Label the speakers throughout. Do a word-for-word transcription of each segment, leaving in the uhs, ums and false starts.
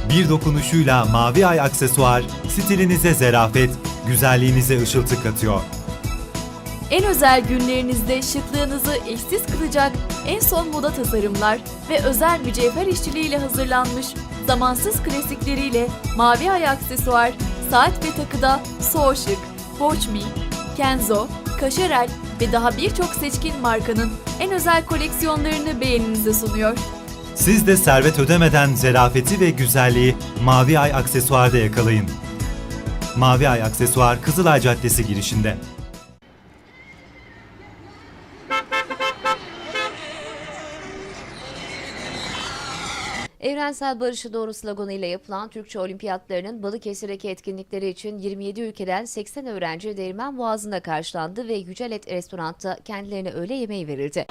Speaker 1: Bir dokunuşuyla Mavi Ay aksesuar, stilinize zerafet, güzelliğinize ışıltı katıyor.
Speaker 2: En özel günlerinizde şıklığınızı eşsiz kılacak en son moda tasarımlar ve özel mücevher işçiliğiyle hazırlanmış zamansız klasikleriyle Mavi Ay aksesuar, saat ve takıda So Chic, Watch Me, Kenzo, Cacharel ve daha birçok seçkin markanın en özel koleksiyonlarını beğeninize sunuyor.
Speaker 1: Siz de servet ödemeden zerafeti ve güzelliği Mavi Ay aksesuarda yakalayın. Mavi Ay aksesuar Kızılay Caddesi girişinde.
Speaker 3: Evrensel Barış'a Doğru sloganıyla yapılan Türkçe Olimpiyatlarının Balıkesir'deki etkinlikleri için yirmi yedi ülkeden seksen öğrenci Değirmen Boğazı'nda karşılandı ve Yücel Et Restoran'ta kendilerine öğle yemeği verildi.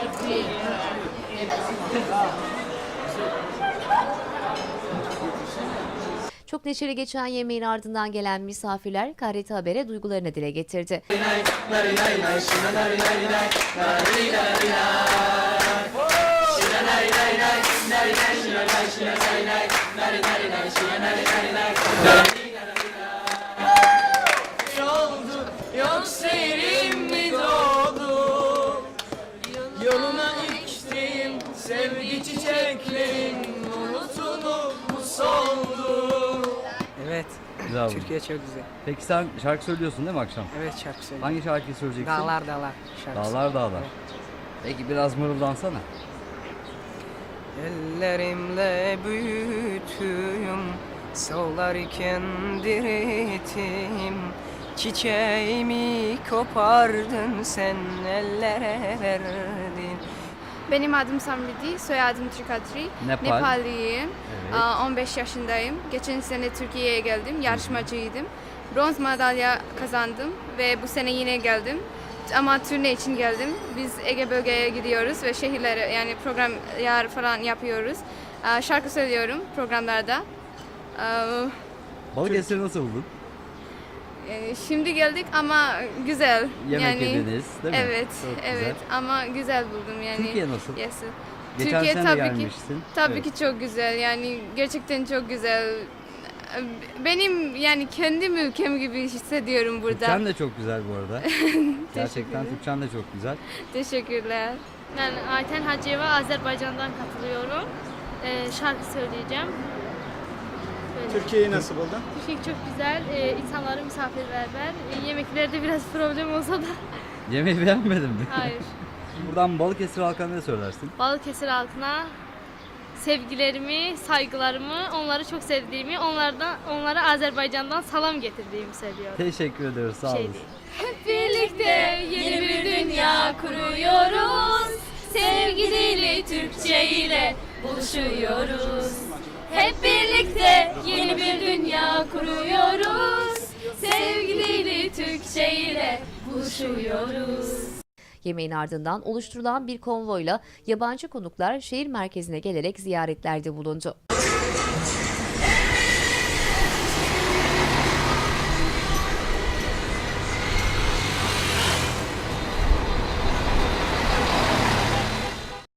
Speaker 3: Çok neşeli geçen yemeğin ardından gelen misafirler K R T Haber'e duygularını dile getirdi.
Speaker 4: Oldu, yoksa yerim mi doğdu? Yoluna içtiğim sevgi çiçeklerin unutulup mu soldu?
Speaker 5: Evet.
Speaker 6: Güzel bu.
Speaker 5: Türkiye çok güzel.
Speaker 6: Peki sen şarkı söylüyorsun değil mi akşam?
Speaker 5: Evet şarkı söylüyorum.
Speaker 6: Hangi şarkıyı söyleyeceksin?
Speaker 5: Dağlar dağlar şarkısı.
Speaker 6: Dağlar dağlar.
Speaker 5: Evet.
Speaker 6: Peki biraz mırıldansana.
Speaker 5: Ellerimle büyüttüm, solarken dirittim. Çiçeğimi kopardın sen ellere verdin.
Speaker 7: Benim adım Samriti, soyadım Trikatri.
Speaker 6: Nepal.
Speaker 7: Nepalliyim.
Speaker 6: Evet.
Speaker 7: Aa, on beş yaşındayım. Geçen sene Türkiye'ye geldim, yarışmacıydım. Bronz madalya kazandım ve bu sene yine geldim. Ama turne için geldim. Biz Ege bölgeye gidiyoruz ve şehirlere yani program yer falan yapıyoruz. Aa, şarkı söylüyorum programlarda. Aa,
Speaker 6: Balıkesir'i nasıl buldun?
Speaker 7: yani şimdi geldik ama güzel.
Speaker 6: Yemek
Speaker 7: yani,
Speaker 6: yediniz değil mi?
Speaker 7: Evet,
Speaker 6: Çok güzel.
Speaker 7: evet ama güzel buldum yani.
Speaker 6: Türkiye nasıl?
Speaker 7: Yes.
Speaker 6: Geçen
Speaker 7: Türkiye
Speaker 6: sene de
Speaker 7: tabii ki
Speaker 6: gelmiştin.
Speaker 7: tabii
Speaker 6: Evet.
Speaker 7: ki çok güzel. Yani gerçekten çok güzel. Benim yani kendim ülkem gibi hissediyorum burada.
Speaker 6: Türkçen de çok güzel bu arada. Gerçekten Türkçen de çok güzel.
Speaker 7: Teşekkürler.
Speaker 8: Ben Ayten Hacıyeva, Azerbaycan'dan katılıyorum. Ee, şarkı söyleyeceğim. Böyle.
Speaker 9: Türkiye'yi nasıl buldun?
Speaker 8: Türkiye çok güzel, ee, insanları misafirperver. Ee, yemeklerde biraz problem olsa da
Speaker 6: Yemeği beğenmedin mi?
Speaker 8: hayır.
Speaker 6: Buradan Balıkesir halkına ne söylersin?
Speaker 8: Balıkesir halkına sevgilerimi, saygılarımı, onları çok sevdiğimi, onlardan onlara Azerbaycan'dan salam getirdiğimi söylüyorum.
Speaker 6: Teşekkür ediyoruz. Sağ
Speaker 8: Şey
Speaker 6: olun.
Speaker 8: değil.
Speaker 2: Hep birlikte yeni bir dünya kuruyoruz. Sevgi dili Türkçe ile buluşuyoruz. Hep birlikte yeni bir dünya kuruyoruz. Sevgi dili Türkçe ile buluşuyoruz.
Speaker 3: Yemeğin ardından oluşturulan bir konvoyla yabancı konuklar şehir merkezine gelerek ziyaretlerde bulundu.